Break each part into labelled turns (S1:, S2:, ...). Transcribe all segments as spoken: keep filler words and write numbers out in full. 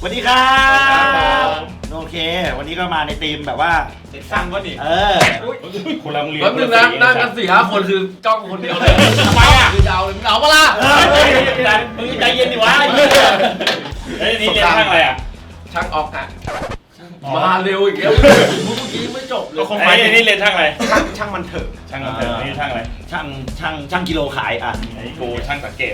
S1: วัสดีครับโอเควันนี้ก็มาในธีมแบบว่า
S2: เด็กสร้างก็ดิ
S1: เออ
S3: คนละโรงเรียน
S2: แป๊บนึงนะนั่งกันสี่ห้าคนคือจ้องคนเดียวเลยทำไมอ่ะคือจะเอาเลยมึงเอาปะล่ะ
S1: มึงใจเย็นดิวะ
S3: เฮ้ยนี่เรียนช่างอะไรอ่ะ
S2: ช่างออกอ่ะมาเร็วอีกแล้วเมื่อกี้ไม่จบเลย
S3: คงไปนี่เรียนช่างอะไร
S2: ช่างช่างมันเถอะ
S3: ช่างมันเถอะนี่ช่างอะไร
S1: ช่างช่างช่างกิโลขายอ่ะ
S3: ไอ้กูช่างสังเกต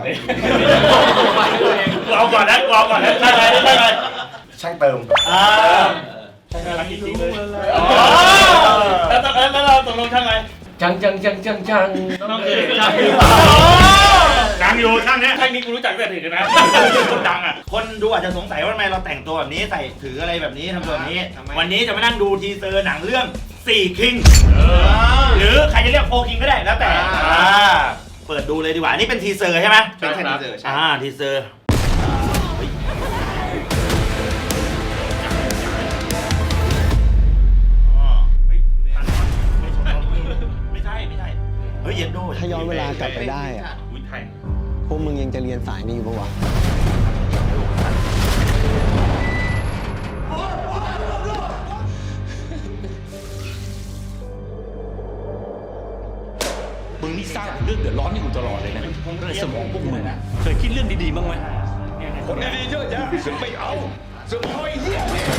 S3: กูเอาก่อนนะกูเอาก่อนนะช่างอะไรช่างอะไร
S2: ช่างเติม
S1: อ่า
S3: ช่างอะไรจริงเลยแล้วแล้วเราตกลงช่างอะไร
S2: ช่างช่างช่างช่างช่าง
S3: น้องเอ๋ช่างดังอยู่ช่างเนี้ยช่างนี้กูรู้จักแต่ถึงนะคนดังอ่ะ
S1: คนดูอาจจะสงสัยว่าทำไมเราแต่งตัวแบบนี้ใส่ถืออะไรแบบนี้ทำตัวแบบนี้วันนี้จะมานั่งดูทีเซอร์หนังเรื่องสี่คิงหรือใครจะเรียกโฟคิงก็ได้แล้วแต่เปิดดูเลยดีกว่านี่เป็นทีเซอร์ใช่ไหม
S2: เป็นทีเซอร์ใช่
S1: อ่าทีเซอร์ไม่ใช่ไม่ใช่เฮ้ยเย็นโด
S4: ถ้าย้อนเวลากลับไปได้อะพวกมึงยังจะเรียนสายนี้อยู่ปะวะ
S5: มึงนี่สร้างเรื่องเดือดร้อนให้กูตลอดเลยนะในสมองพวกมึงเคยคิดเรื่องดีๆบ้างไหมคนดีๆเยอะแยะซึ่งไม่เอาซึ่งไม่เหี้ยเนี่ย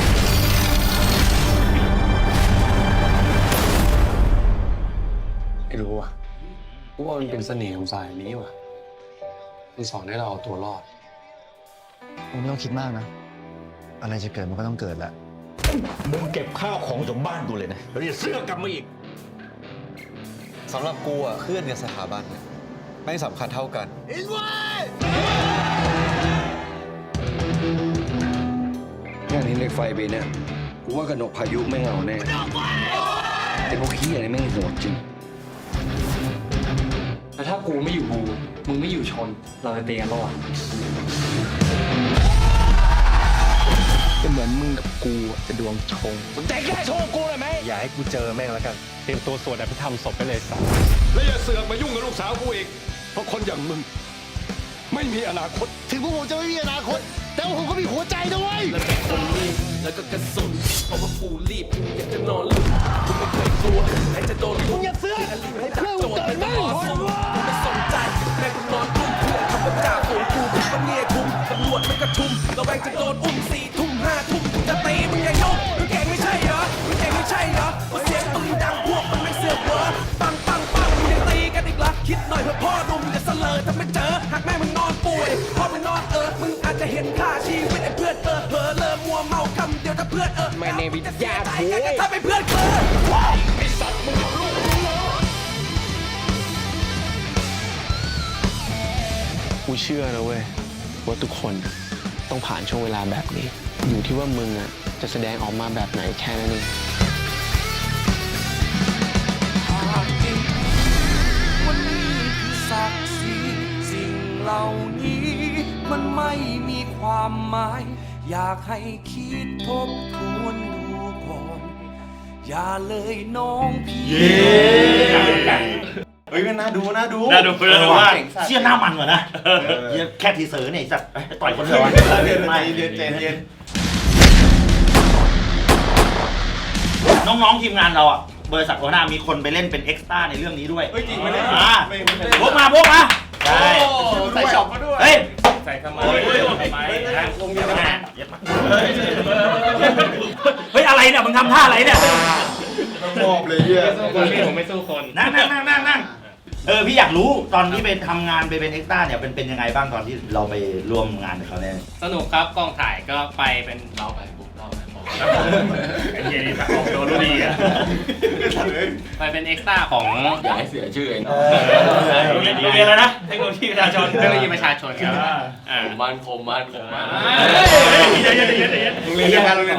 S6: ไม่รู้ว่ะกูว่ามันเป็นเสน่ห์ของสายนี้ว่ะมันสอนให้เราเอาตัวรอด
S4: มึงไม่ต้องคิดมากนะอะไรจะเกิดมันก็ต้องเกิดแหละ
S5: มึงเก็บข้าวของจากบ้านกูเลยนะแล้วอย่าเสื้อกลับมาอีก
S7: สำหรับกูอ่ะเพื่อนกับสถาบันเนี่ยไม่สำคัญเท่ากันอินไว้
S5: งานนี้เหล็กไฟปีเนี่ยกูว่ากระหนกพายุไม่เอาแน่ไอ้พวกขี้อะไรแม่งโหดจริง
S6: แต่ถ้ากูไม่อยู่บูมึงไม่อยู่ชนเราจะเตีกันรอดก็เหมือนมึงกับกูจะดวงชง
S5: สนใจแค่โชว์กูเลยไหม
S6: อย่าให้กูเจอแม่งแล้วกันเตรียมตัวสวดอภิธรรมศพไปเลยสัส
S5: แล้วอย่าเสือกมายุ่งกับลูกสาวกูอีกเพราะคนอย่างมึงไม่มีอนาคต
S4: ถึงพวกผมจะไม่มีอนาคตแต่ว่าผมก็มีหัวใจด้วย
S8: แล้วก็คนรีบแล้วก็กระสุนเพราะว่ากูรีบกูอยากจะนอนหลับกูไม่เคยกลัวใครจะโดนลุก
S4: อย่าเสือก
S8: ให้จับโจทย์เป็นต่อสู้กูไม่สนใจแม่กูนอนกลุ้มเพื่อนทำเป็นจ่าฝูงกูเป็นปะเนียคุมตำรวจมันกระชุมเราแบงจะโดนอุ้มสี่ทุ่มห้าทุ่มจะตีมึงอย่ายกมึงเก่งไม่ใช่เหรอมึงเก่งไม่ใช่เหรอว่าเสียงปืนดังพวกมันไม่เสือกเหรอปังปังปังมึงยังตีกันอีกเหรอคิดหน่อยเพื่อพ่อนุ่มจะเสลอถ้าไม่เจอหากแม่มึงนอนป่วยพ่อมึงนอนเออมึงอาจจะเห็นค่าชีวิตไอ้เพื่อนเออเผลอเลอมัวเมาคำเดียวถ้าเพื่อนเออไม่ในวิทยาโว้ยถ้าเป็นเพื่อนเออไอ้สัตว์มึงลูก
S6: กูเชื่อนะเว้ยว่าทุกคนต้องผ่านช่วงเวลาแบบนี้อยู่ที่ว่ามึงอ่ะจะแสดงออกมาแบบไหนแค่นั้นเอง
S8: วันนี้คือศักดิ์ศรีสิ่งเหล่านี้มันไม่มีความหมายอยากให้คิดทบทวนดูก่อนอย่าเลยน้องพี่
S2: เฮ้ยมันน่าดูน่าดู
S3: น่าดูน่าดูมาก
S1: เชี่ยหน้ามันเหรอนะแค่ทีเซอร์เนี่ยจัดต่อยคนเดียว
S2: เรียนไม่เรียนเจนเรียน
S1: น้องๆทีมงานเราอ่ะบริษัทโอนามีคนไปเล่นเป็นเอ็กซ์ต้าในเรื่องนี้ด้วย
S2: เฮ้ยจริงไหมเนี่ย
S1: พวกมาพวกมา
S2: ใช่ใส่ช็อปมาด้วย
S1: เฮ้ย
S3: ใส่ทำไมทำไม
S1: ลงเยอะมากเฮ้ยอะไรเนี่ยมึงทำท่าอะไรเนี่ย
S2: มอบเลยเนี่ย
S3: ผมไม่สู้คน
S1: นั่งนั่งนั่งนั่งนั่งเออพี่อยากรู้ตอนที่ไปทำงานไปเป็นเอ็กซ์ต้าเนี่ยเป็นเป็นยังไงบ้างตอนที่เราไปร่วมงานกับเขาเนี่ย
S9: สนุกครับกองถ่ายก็ไปเป็นเราไปปุ๊บเราไปบอก
S3: ไอ้เหี้ยนี่ตัดออกโดนดีอ่ะ
S9: ไปเป็นเอ็กซ์ต้าของ
S2: อย่าให้เสียชื่อเอง
S3: โรงเรียนโรงเรียนแล้วนะเทคโนโลยีประชาชน
S9: เทคโนโลยีประชาชนครับ
S2: ผมมันผมมันผมมัน
S3: เย็นเย็นเย็นเย็น
S2: โรงเรียนเดียวกันโรงเรียน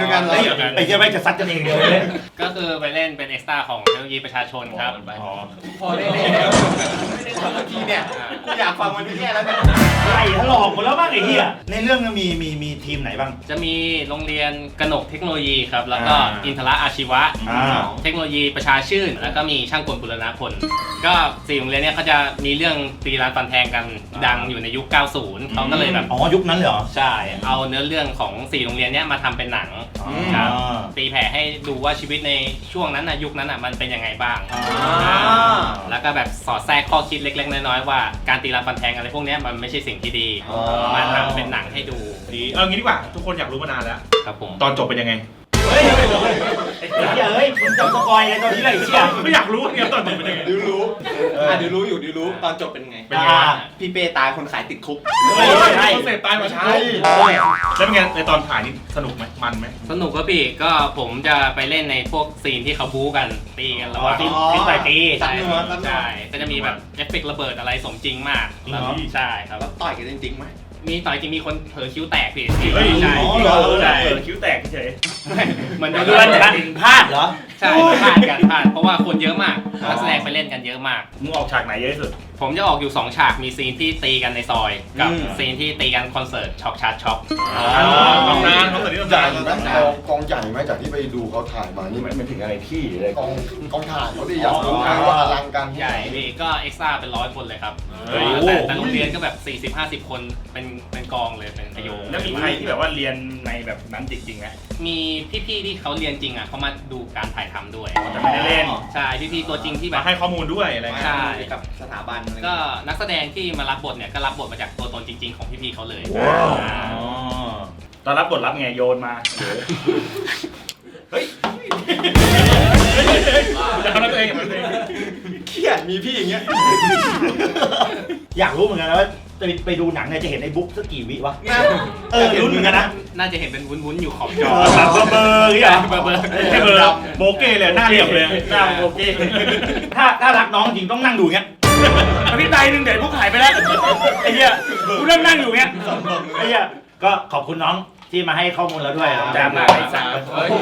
S7: ด้วยกันเหรอ
S1: เฮ้ยไอ้เหี้ยไม่งจะซัดกันเองเดียวเลย
S9: ก็คือไปเล่นเป็นเอ็กซ์ตร้าของเทคโนโลยีประชาชนครับ
S1: อ๋อ
S2: พอได้เลยไม่ได้ทำเมื่อกี้เนี่ยกูอยากฟังมันที่แค่แล้วเนี่ย
S1: ไล่ถลอกหมดแล้วบ้างไอ้เหี้ยในเรื่องมีมีมีทีมไหนบ้าง
S9: จะมีโรงเรียนกนกเทคโนโลยีครับ แล้วก็
S1: อ่า
S9: อินทระอาชีวะ
S1: อ่า
S9: เทคโนโลยีประชาชื่น แล้วก็มีช่างกลบุรณพล ก็สี่โรงเรียนเนี้ยเขาจะมีเรื่องตีรันฟันแทงกันดังอยู่ในยุค เก้าสิบ เขาก็เลยแบบ
S1: อ๋อยุคนั้นเลยเหรอ
S9: ใช่ เอาเนื้อเรื่องของสี่โรงเรียนเนี้ยมาทำเป็นหนัง
S1: อ๋อ
S9: ครับตีแผ่ให้ดูว่าชีวิตในช่วงนั้นนะยุคนั้นอ่ะมันเป็นยังไงบ้าง
S1: อ่า
S9: แล้วก็แบบสอดแทรกข้อคิดเล็กๆน้อยๆว่าการตีรันฟันแทงอะไรพวกเนี้ยมันไม่ใช่สิ่งที่ดี
S1: อ๋อ
S9: มาทำเป็นหนังให้ดู
S3: ดีเอองี้ดีกว่าทุกคนอยากรู้มานานแล้ว
S9: ครับผม
S3: ตอนจบเป็นยังไง
S1: เฮ้ยไอ้เหี้ยเฮ้ยมึงจะสปอยอะไรตอนนี้เลยไอ้เหี้ย
S3: ไม่อยากรู้เนี่ยตอนจบเป็นยังไง
S2: ดิวรู้อ่ะดิวรู้อยู่ดิวรู้ตอนจบเป็นไง
S3: เป็นยังไง
S1: อ่า
S2: พี่เป้ตายคนขายติดคุก
S1: ไม่ใช่
S3: คอนเซ็ปต์ตายมาใช่แล้วเป็นไงในตอนถ่ายนี่สนุกไหมมันไหม
S9: สนุกก็พี่ก็ผมจะไปเล่นในพวกซีนที่เขาบู๊กันตีกันระห
S1: อ๋อ
S9: ว่าง
S1: ทีมทีมต่อยตี
S2: ตัด
S9: ใช่
S2: เนื้อตัดเนื้อ
S9: ใช่ก็จะมีแบบเอฟเฟกต์ระเบิดอะไรสมจริงมาก
S1: จริงเหรอ
S9: ใช่ครับ
S2: แล้วต่อยกันจริงๆไหม
S9: มีต่อยจริงมีคนเผลอคิ้วแตกพี่
S3: เฮ้ย
S9: ใช่
S1: อ๋อเหรอ
S9: ใช่
S3: เออคิ้วแตกเฉย
S9: เหมือน
S1: เดือนกันพลาดเหรอ
S9: ใช่พลาดกันพลาดเพราะว่าคนเยอะมากนักแสดงไปเล่นกันเยอะมาก
S3: มึงออกฉากไหนเยอะที่สุด
S9: ผมจะออกอยู่ สอง ฉาก มีซีนที่ตีกันในซอย กับซีนที่ตีกันคอนเสิร์ตช็อกชาร์จช็อก
S3: ตำนานเขาเกิดที่ตำ
S7: ใหญ่
S3: นาน
S7: ไหมกองกองใหญ่ไหมจากที่ไปดูเขาถ่ายมานี่มันถึงอะไรที่เลยกองกองถ่ายเขาดิอยากรู้ไงว่าอลังการ
S9: ใหญ่พี่ก็เอ็กซ์ตร้าเป็นร้อยคนเลยครับ
S3: เฮ้ย
S9: แต่แต่โรงเรียนก็แบบ สี่สิบห้าสิบ คนเป็นเป็นกองเลยเป็นขยง
S3: แล้วมีใครที่แบบว่าเรียนในแบบนั้นจริงๆไหม
S9: มีพี่ๆที่เขาเรียนจริงอ่ะเขามาดูการถ่ายทำด้วย
S3: แต่ไม่ได้เล่น
S9: ใช่พี่ๆตัวจริงที่แบ
S3: มา
S9: บ
S3: ให้ข้อมูลด้วยอะไร
S9: ใช่
S3: เงี้ย
S2: กับสถาบันอะไร
S9: ก็นักแสดงที่มารับบทเนี่ยก็รับบทมาจากตัวตนจริง ๆ ของพี่ๆเขาเลย
S3: ว้าว
S9: อ่า
S3: อ๋อตอนรับบทรับไงโยนมาเฮ้ยจะทำอะไรตัวเองกับมันเอง
S2: เครียดมีพี่อย่างเงี้ย
S1: อยากรู้เหมือนกันนะว่าจะไปดูหนังเนี่ยจะเห็นในบุ๊กสักกี่วิวะเออลุ้นเหมือนกันนะ
S9: น่าจะเห็นเป็นวุ้นๆอยู่ขอบจอ
S1: แบบเบอร์เบอร์อย่างเงี้ย
S9: เบอร์เบอร์
S3: แค่เบอร์โบเก้เลยหน้าเหลี่ยมเลยหน้าโบเก้
S1: ถ้าถ้ารักน้องจริงต้องนั่งดูอย่างเงี้ย
S3: พี่ไตหนึ่งเดี๋ยวพวกหายไปแล้วไอ้เหี้ยกูนั่งนั่งอยู่เงี้ย
S1: ไอ้เหี้ยก็ขอบคุณน้องที่มาให้ข้อมูลเราด้วย
S3: แจ่มมาก
S1: ไอ้สัตว์
S2: เฮ้ย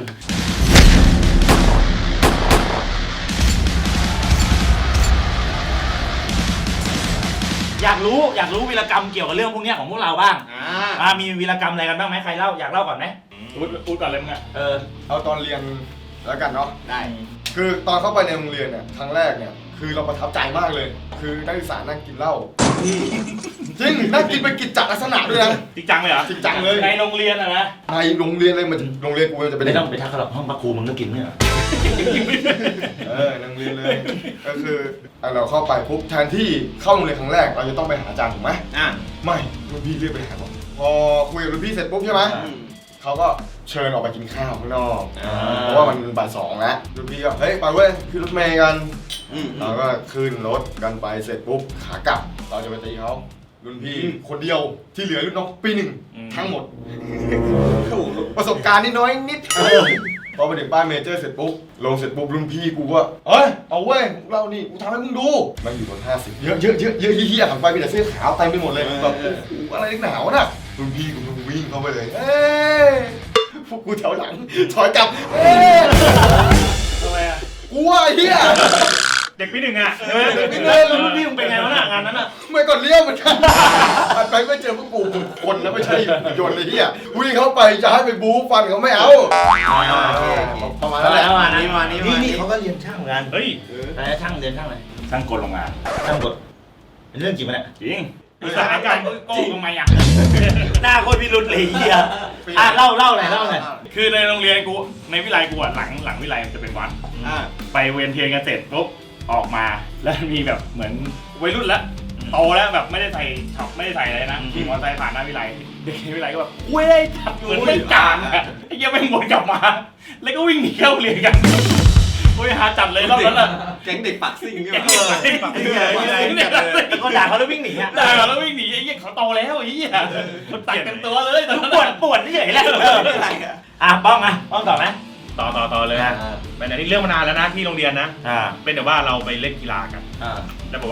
S1: อยากรู้อยากรู้วีรกรรมเกี่ยวกับเรื่องพวกเนี้ยของพวกเราบ้าง
S2: อ่า
S1: อ่ามีวีรกรรมอะไรกันบ้างไหมใครเล่าอยากเล่าก่อนไหม
S3: พูดพูดก่อนเลยมึงอ่ะ
S1: เออ
S7: เอาตอนเรียนแล้วกันเนาะ
S2: ได้
S7: คือตอนเข้าไปในโรงเรียนเนี่ยครั้งแรกเนี่ยคือเราประทับใจมากเลย คือนักศึกษานั่งกินเหล้าจริงนั่งกินเป็นกิจจลักษณะด้วยนะ
S3: จริงจังเลยเหรอ
S7: จริงจังเลย
S3: ในโรงเรียนอะนะ
S7: ในโรงเรียนเลยมันโรงเรียนกูจะเป็น
S1: ไม่ต้องไปทักเขาหรอกห้องพักครูมึงก็กินเนี่ย
S7: เออโรงเรียนเลยก็คืออ่ะเราเข้าไปปุ๊บแทนที่เข้าโรงเรียนครั้งแรกเราจะต้องไปหาอาจารย์ถูกไหม
S2: อ่ะ
S7: ไม่รุ่นพี่เรียกไปหาผมพอคุยกับรุ่นพี่เสร็จปุ๊บใช่ไหม
S2: อืม
S7: เขาก็เชิญออกไปกินข้าวข้างนอก
S1: อ่า
S7: เพราะว่ามันบ่ายสองแล้วรุ่นพี่ก็เฮ้ยไปเว้ยขึ้นรถเมย์กัน
S2: อืม
S7: เราก็ขึ้นรถกันไปเสร็จปุ๊บขากลับ เราจะไปตีเขารุ่นพี่คนเดียวที่เหลือรุ่นน้องปีหนึ่งทั้งหมดประสบการณ์นี่น้อยนิดพอไปถึงป้ายเมเจอร์เสร็จปุ๊บลงเสร็จปุ๊บรุ่นพี่กูว่าเอ้ยเอาเว้ยพวกเรานี่กูทำให้มึงดูมันอยู่บนห้าสิบเยอะเยอะเยอะเยอะเฮี้ยๆหันไปมีแต่เสื้อขาวเต็มไปหมดเลยแบบโอ้โหอะไรนักหนาวน่ะรุ่นพี่กูวิ่งเข้าไปเลยเอ้ยพวกกูแถวหลังถอยกลับเอ้ย
S3: ทำไมอ่ะ
S7: กูว่าไอ้เฮี้ย
S3: เด็กปีหนึ่งอ่ะ
S1: เออพี่เลยรุ่นพี่มึงเป็นไงวะน่ะงานนั้นอ่ะ
S7: ไม่ก่อนเลี้ยวเหมือนกันหันไปไม่เจอพวกกูคนนะไม่ใช่ยนต์เลยเฮี้ยวิ่งเข้าไปจะให้ไปบู๊ฟันเขาไม่เอาประมาณนั้นแหละ
S1: ประมาณนั้น
S2: นี่มานี่
S1: นี่
S2: มา
S1: นี่เขาก็เรียนช่างเหมือนกัน
S3: เฮ้ย
S1: แต่ช่างเรียนช่างอะไร
S3: ช่างกลโรงงาน
S1: ช่างกดเป็นเรื่องจริงปะเนี่ย
S3: จริงมีสถานการณ์โกงทำไมอ่ะ
S1: หน้าโคตรพิรุษเลยเฮียอ่ะเล่าเล่าหน่อยเล่าหน่อย
S3: คือในโรงเรียนกูในวิไลกูอ่ะหลังหลังวิไลมันจะเป็นวัด
S2: อ่า
S3: ไปเวียนเทียนกันเสร็จปุ๊บออกมาแล้วมีแบบเหมือนวัยรุ่นแล้วโตแล้วแบบไม่ได้ใส่ช็อปไม่ได้ใส่อะไรนะขี่มอเตอร์ไซค์ผ่านหน้าวิไลเด็กในวิไลก็แบบเว้ยจับเหมือนไม่กลางอะไอ้เหี้ยไม่งวนกลับมา แล้วก็วิ่งหนีเข้าเรียนกันโอ้ยหาจัดเลยรอบนั้นอ่ะ
S2: แก๊งเด็กปักซิ่งเนี่ย
S3: แก๊งเด็กปักซิ่ง
S1: ไอ้เหี้ยไอ้เหี้ยไอ้เหี้ยก็ด่าเขาแล้ววิ่งหนีอ่ะ
S3: ด่าแล้ววิ่งหนีไอ้เหี้ยเขาโตแล้วไอ้เหี้ยมันตัดกันตัวเลยตอนนั้น
S1: ปวดปวดเฉยๆแหละอ่ะป้องอ่ะป้องต่อไหม
S3: ต่อต่อต่อเลยเป็นอันนี้เรื่องมานานแล้วนะที่โรงเรียนนะ
S1: อ่า
S3: เป็นแต่ว่าเราไปเล่นกีฬากัน
S1: อ่า
S3: แล้วบอกว่า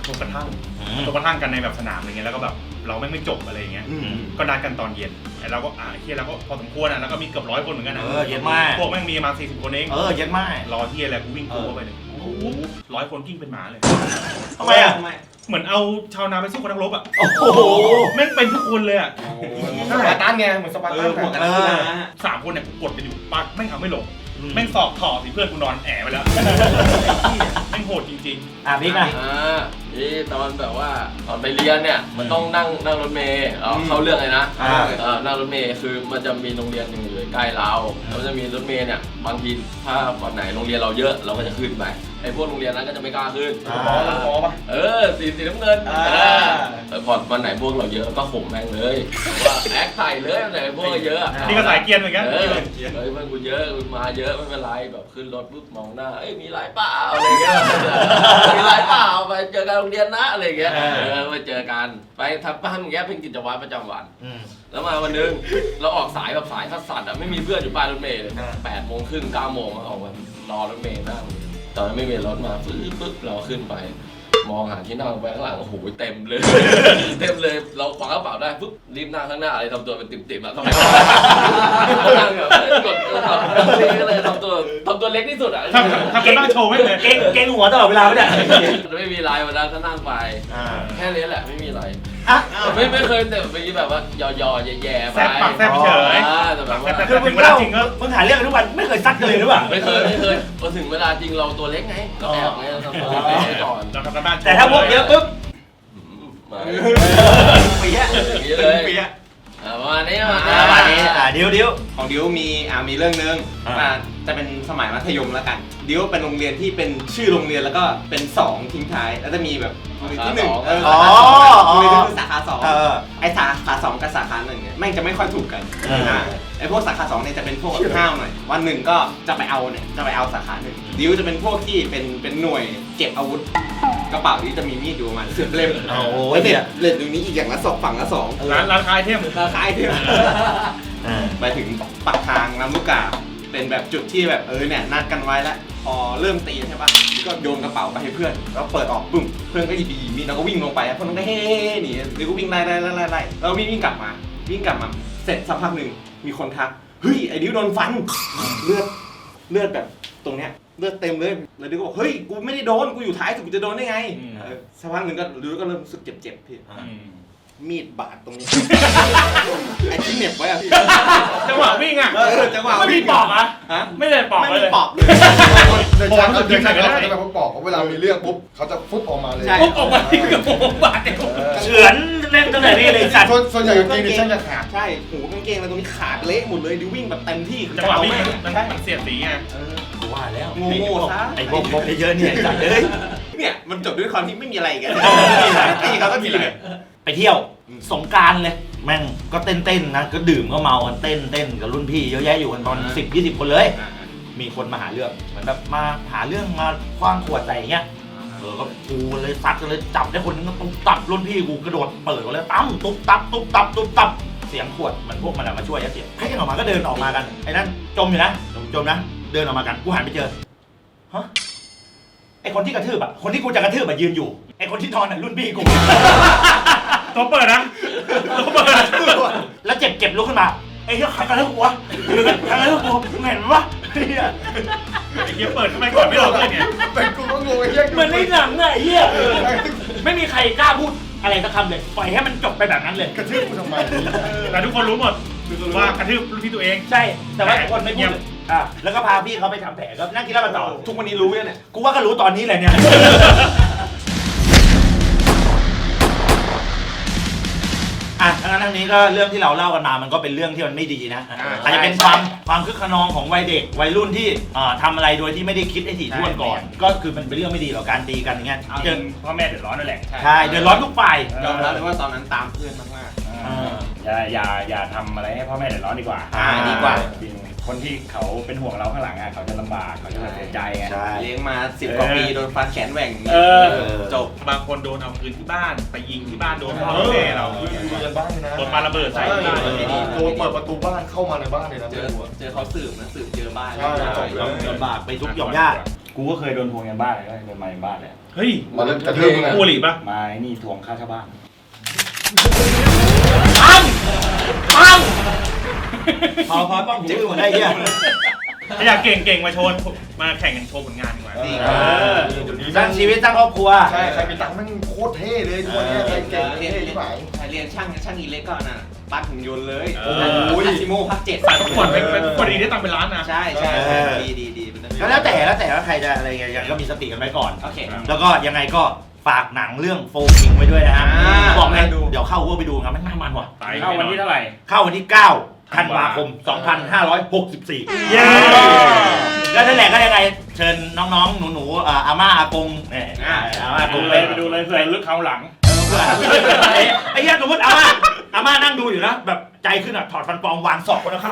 S3: กระทั่งกระทั่งกันในแบบสนามอะไรเงี้ยแล้วก็แบบเราไม่ไม่จบอะไรเงี้ยก็นัดกันตอนเย็นไอ้เราก็อ่าเฮียแล้วก็พอสมควรอ่ะแล้วก็มีเกือบร้อยคนเหมือนกันนะ
S1: เออเย็นมาก
S3: พวกแม่งมีมาสี่สิบคนเอง
S1: เออเย็นมาก
S3: รอเฮียอะไรกูวิ่งกูเข้าไปเลยร้อยคนกิ้งเป็นหมาเลย
S1: ทำไมอ่ะ
S3: เหมือนเอาชาวนาไปสู้กับนักรบอ่ะ
S1: โอ้โห
S3: แม่งเป็นทุกคนเลยอ่ะ
S7: สปาร์ตันไงเหมือนสปาร์ตันแบบ
S1: เออ
S3: สามคนเนี่ยกดกันอยู่ปักแม่งเอาไม่ลงแม่งสอบถอดสิเพื่อนกูนอนแอบไปแล้วแม่งโหดจริง
S1: อ่ะพี่นะ
S2: อ่านี่ตอนแบบว่าตอนไปเรียนเนี่ยมันต้องนั่งนั่งรถเมล์เอาเข้าเรื่องเลยนะ
S1: อ่า
S2: เออนั่งรถเมล์คือมันจะมีโรงเรียนหนึ่งอยู่ใกล้เราแล้วมันจะมีรถเมล์เนี่ยบางทีถ้าวันไหนโรงเรียนเราเยอะเราก็จะขึ้นไปไอ้พวกโรงเรียนนั้นก็จะไม่กล้าขึ้น
S1: อ่า
S7: หมอแล้วหมอปะ
S2: เออสีสีน้ำเงิน
S1: อ่า
S2: เออพอวันไหนพวกเราเยอะก็ข่มแม่งเลยว่าแอคใส่เลยวันไหนพวกเราเยอะ
S3: ๆนี่ก็สายเกียร์เหมือนกัน
S2: เออเฮ้ยเพื่อนกูเยอะกูมาเยอะไม่เป็นไรแบบขึ้นรถปุ๊บมองหน้าเอ้ยมีหลายเปล่าอะไรเงี้ยมีหลายเปล่าไปเจอกันโรงเรียนนะอะไรเงี้ย
S1: เออ
S2: เออไปเจอกันไปทำบ้านอย่างเงี้ยเป็นกิจวัตรประจำวัน
S1: อืม
S2: แล้วมาวันหนึงเราออกสายแบบสายคัดสัตว์อะไม่มีเพื่อนอยู่ป้ายรถเมล์เลย
S1: อ่า
S2: แปดโมงครึ่งเก้าโมงออกมารอรถเมล์นั่งตอนนั้นไม่มีรถมาปึ๊บปึ๊บเราขึ้นไป มองหาที่นั่งไปข้างหลังโอ้โหเต็มเลย เต็มเลยเราคว้ากระเป๋าได้ปุ๊บรีบนั่งข้างหน้าอะไรทำตัวเป็นติ่มๆแล้วทำไมนั่งแบบกดทำนี่ก็เลยทำตัวทำตัวเล็กที่สุดอะ
S3: ทำทำกันบ้านโชว์ไม่เลย
S1: เก่งเก่งหัวตลอดเวลาไม่ได้
S2: ไม่มีไรวันนั้นก็นั่งไป
S1: อ่า
S2: แค่นี้แหละไม่มีอะไร
S1: อ่ะ
S2: ไม่ไม่เคยแต่ไปแบบว่ายอๆแย่ๆไป
S3: แซ่บปากแซ่บเฉย
S2: อ่าแต่แบบว่า
S1: คือมึงเล่ามึงหาเรื่องกันทุกวันไม่เคยซัดกันเลยหรือเปล่า
S2: ไม่เคยไม่เคยพอถึงเวลาจริงเราตัวเล็กไงก็แอบไงเราทำตัวเล็กไว้ก่อน
S3: เราทำกันบ้านโชว์
S1: แต่ถ้าพวกเยอะปุ๊บ
S2: อืมมา
S1: เปี๊ยะ
S2: อย่างนี้เลย
S1: เปี๊ยะ
S2: อ่าประมาณนี้ประ
S1: อ่า
S2: มา
S1: วั
S2: ณ
S1: น
S2: นี้
S1: นี้อ่าดิวดิว
S10: ของดิวมีอ่ามีเรื่องนึง
S1: อ่า
S10: อ่าจะเป็นสมัยมัธยมแล้วกันดิวเป็นโรงเรียนที่เป็นชื่อโรงเรียนแล้วก็เป็นสองทิ้งท้ายแล้วจะมีแบบโรงเรียนที่หนึ่งเออ
S1: อ๋อ
S10: โรงเรียนที่คือสาขาสอง
S1: เออ
S10: ไอสาขาสองกับสาขาหนึ่งเนี่ยแม่งจะไม่ค่อยถูกกัน
S1: เอออ่
S10: าไอพวกสาขาสองเนี่ยจะเป็นพวกแบบห้าวหน่อยวันหนึ่งก็จะไปเอาเนี่ยจะไปเอาสาขาหนึ่งดิวจะเป็นพวกที่เป็นเป็นหน่วยเก็บอาวุธกระเป๋านี้จะมีมีดอยู่ประมาณสิบเล่ม
S1: โอ้โห
S10: แล้วเด็ดเด็ดตรงนี้อีกอย่างละสองฝั่งละสอง
S3: ร้านร้านคายเทม
S10: ราคาไอเทม
S1: อ่า
S10: ไปถึงปากทางลำลูกกาเป็นแบบจุดที่แบบเออเนี่ยนัดกันไว้แล้วพอเริ่มตีใช่ปะก็โยนกระเป๋าไปให้เพื่อนแล้วเปิดออกปึ้มเพื่อนก็หยิบหยิบมีดแล้วก็วิ่งลงไปเพื่อนก็เฮ้ๆหนีหรือก็วิ่งไล่ไล่ไล่ไล่ไล่แล้ววิ่งวิ่งกลับมาวิ่งกลับมาเสร็จสักพักหนึ่งมีคนทักเฮ้ยไอ้ดิวโดนฟันเลือดเลือดแบบตรงเนี้ยเลือดเต็มเลยแล้วดิวก็บอกเฮ้ยกูไม่ได้โดนกูอยู่ท้ายสุดกูจะโดนได้ไงเออสักพักหนึ่งก็ดิวก็เริ่มรู้สึกเจ็บๆพี่มีดบาดตรงนี้ ไอ้ที่เหน็บไว้อะพี่
S3: จังหวะวิ่งอ่ะ
S10: เออจังหวะ
S3: ไม่มีปอกอ่ะ
S10: ฮะ
S3: ไม่ได้ปอก
S10: ไม่
S3: เล
S10: มี
S3: ย
S10: ปอกเลย
S7: เดินช้าเขาเดินช้าเขาจะแบบเขาบอกว่าเวลามีเรื่องปุ๊บเขาจะฟุบออกมาเลย
S10: ใช่
S3: ปุ๊บออกมาที่กับผมบาดเดียว
S1: เฉือนเล่นตั้งแต่นี่เลยสัตว์
S7: ส่วนส่วนใหญ่กางเกงดิฉันจะขาด
S10: ใช่หูกางเกงอะไรตรงนี้ขาดเละหมดเลยดิวิ่งแบบเต็มที่คือ
S3: จังหวะวิ่ง
S10: แม่
S3: มัน
S10: ใช่
S3: มันเสียดสีไง
S1: กูว่าแล้ว
S10: โง่ๆซะ
S1: ไอ้พวกพวกเยอะๆเนี่ยสัตว์เอ้ย
S10: เนี่ยมันจบด้วยความที่ไม่มีอะไรกัน
S1: ไม่มีอะไร
S10: ตีเขาก็ทีเลย
S1: ไปเที่ยวสงกรารเลยแม่งก็เต้นเต้นๆนะก็ดื่มก็เมากันเต้นเต้นกับรุ่นพี่เยอะแยะอยู่กันตอนสิบยี่สิบคนเลย มีคนมาหาเรื่องเหมือนแบบมาหาเรื่องมาคว้างขวดใส่อย่างเงี้ยเออก็กูเลยซัดกันเลยจับได้คนนึงก็ตุ๊บตับรุ่นพี่กูกระโดดเปิดกันเลยตั้มตุ๊บตับตุ๊บตับตุ๊บตับเสียงขวดเหมือนพวกมันอะมาช่วยยัดเสียงให้กันออกมาก็เดินออกมากันไอ้นั่นจมอยู่นะจมนะเดินออกมากันกูหันไปเจอฮะไอ้คนที่กระทืบอะคนที่กูจะกระทืบอะยืนอยู่ไอ้คนที่นอนอะรุ่นพี่กู
S3: ตัวเปิดนะตัวเปิดนะ
S1: แล้วเจ็บเจ็บลุกขึ้นมาไอ้เหี้ยใครกันแล้วกูวะใครกันแล้วกูมึงเห็นวะเหี้ย
S3: ไอ้เหี้ยเปิดทำไมก่อนไม่ลงเลยเนี่ย
S7: เป็นกูก็งงไอ้เหี้ย
S1: เหมือนในหนังอะไอ้เหี้ยไม่มีใครกล้าพูดอะไรสักคำเลยปล่อยให้มันจบไปแบบนั้นเลย
S7: กระทืบกูทำไม
S3: แต่ทุกคนรู้หมดว่ากระทืบรุ่นพี่ตัวเอง
S1: ใช่แต่ว่าทุกคนไม่พูดอ่ะแล้วก็พาพี่เขาไปทำแผลก็นั่งกินเหล้ากันต่อ
S10: ทุกวันนี้รู้ยังเนี่ย
S1: กูว่าก็รู้ตอนนี้แหละเนี่ยอ่ะทั้งนั้นทั้งนี้ก็เรื่องที่เราเล่ากันมามันก็เป็นเรื่องที่มันไม่ดีนะอาจจะเป็นความความคึกขนองของวัยเด็กวัยรุ่นที่อ่าทำอะไรโดยที่ไม่ได้คิดให้ถี่ถ้วนก่อน ก็คือมันเป็นเรื่องไม่ดีหรอกการตีกันอย่างเงี้ย
S3: จนพ่อแม่เดือดร้อนนั่นแหละ
S1: ใช่เดือดร้อนทุกฝ่าย
S10: ยอมรับเลยว่าตอนนั้นตามเพื่อนมาก
S3: อย่าอย่าอย่าทำอะไรให้พ่อแม่เดือดร้อนดีกว่า
S1: อ่าดีกว่า
S3: จริงคนที่เขาเป็นห่วงเราข้างหลังอ่ะเขาจะลำบากเขาจะเสียใจไง
S1: ใช่
S10: ๆเลี้ยงมาสิบกว่าปีโดนฟันแขนแหว่ง
S3: เออ
S10: จบ
S3: บางคนโดนเอาปืนที่บ้านไปยิงที่บ้านโดนพ่อแม่เรา
S7: เดินบ้านเลยนะ
S3: โดนปาระเบิดใส่
S7: โดนเปิดประตูบ้านเข้ามาในบ้านเลยนะ
S10: เจอเจอเขาสืบนะสืบเจอบ้าน
S7: ใช่
S1: ลำบากไปทุกหย่อมย่า
S3: กูก็เคยโดนทวงเงินบ้านเลยโดนมาในบ้านเลย
S1: เฮ้ย
S2: มาเล่นกระเทือนนะ
S1: คู่หลีปะ
S3: มาไอ้นี่ทวงค่าเช่าบ้าน
S1: ปังปังพอพอป้องหูหมดได้เหี้ย
S3: ถ้าอยากเก่งเก่งมาโชว์มาแข่งกันโชว์ผลงานดีกว่า
S7: นี่
S1: เออสร้างชีวิตสร้างครอบครัว
S7: ใช่ใครมีตังค์แม่งโคตรเท่เลยทุกวันเนี้ยใครเก่ง
S10: เรียน
S7: เท่
S10: เรียน
S7: ที่ไหน
S10: เรียนช่างช่างอิเล็กก่อนน่ะปั้นหุ่นยนต์เลย
S3: เออ
S10: โอ้ยซิโม่ภาคเจ็ด
S3: สายพักผ่อนเป็นคนดีได้ตังค์เป็นล้านนะ
S10: ใช่ใช่
S1: เออ
S10: ดีดีดีเป็น
S1: ก็แล้วแต่แล้วแต่ว่าใครจะอะไรยังไงก็มีสติกันไว้ก่อน
S10: โอเค
S1: แล้วก็ยังไงก็ฝากหนังเรื่องโฟกิงไว้ด้วยนะฮะ
S10: อ่า
S1: บอกเลย
S10: ดู
S1: เดี๋ยวเข้าว่าไปดูกันมันน่ามันว่ะ
S3: เข้าวันที่เท่าไหร่
S1: เข้าวันที่เก้าธันวาคมสองพันห้าร้อยหกสิบสี่
S3: เย้
S1: ก็นั่นแหละก็ยังไงเชิญน้องๆหนูๆอ่าอาม่าอากงเนี่ยอาม่าอา
S3: ไป
S1: ก
S3: ดู
S1: ง
S3: เล
S1: เลย ย
S3: ไปดูเลยเผื่อลึกเขาหลัง
S1: ไอ้เหี้ยสมมติอาม่าอาม่านั่งดูอยู่นะแบบใจขึ้นอ่ะถอดฟันปลอมวางศอกคนละข้าง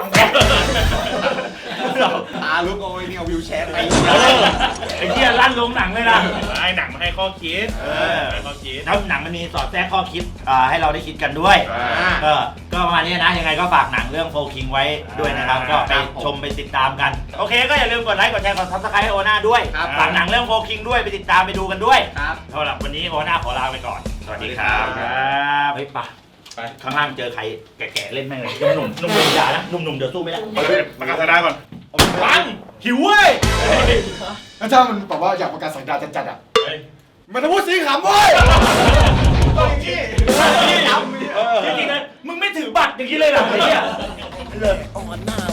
S10: ตาลุกเอาไอ้นี่เอาวิวแชร์ไป
S1: เออไอ้เหี้ยลั่นลงหนังเลยนะ
S3: ไอ้หนังมาให้ข้อคิด
S1: เออ
S3: ให้ข้อคิด
S1: แล้วหนังมันมีสอดแทรกข้อคิดอ่าให้เราได้คิดกันด้วย
S10: อ่า
S1: ก็ก็ประมาณนี้นะ ยังไงก็ฝากหนังเรื่องโฟคิงไว้ด้วยนะครับ ก็ไปชมไปติดตามกัน โอเคก็อย่าลืมกดไลค์กดแชร์กดซับสไครต์ให้โอน่าด้วย
S10: ครับ
S1: ฝากหนังเรื่องโฟคิงด้วยไปติดตามไปดูกันด้วย
S10: ครับ
S1: สำหรับวันนี้โอน่าขอลาไปก่อน สวัสดีครับ
S10: สวัสดีครับ
S1: เฮ้ยป่ะไปข้างล่างเจอใครแก่ๆเล่นแม่งเลยหนุ่มๆหนุ่มๆอย่านะหนุ่มๆเดี๋ยวสู้ไม่ได้
S3: ประกาศได้ก่อนปังหิวเว้ย
S7: แล้วถ้ามันแบบว่าอยากประกาศสังกัดจัดๆอ่ะ
S3: เฮ้ย
S7: มันจะพูดสีขำเว้ย
S1: จริงๆนะมึงไม่ถือบัตรอย่างนี้เลยเหรอไอ้เหี้ย
S8: อ่อนหน้า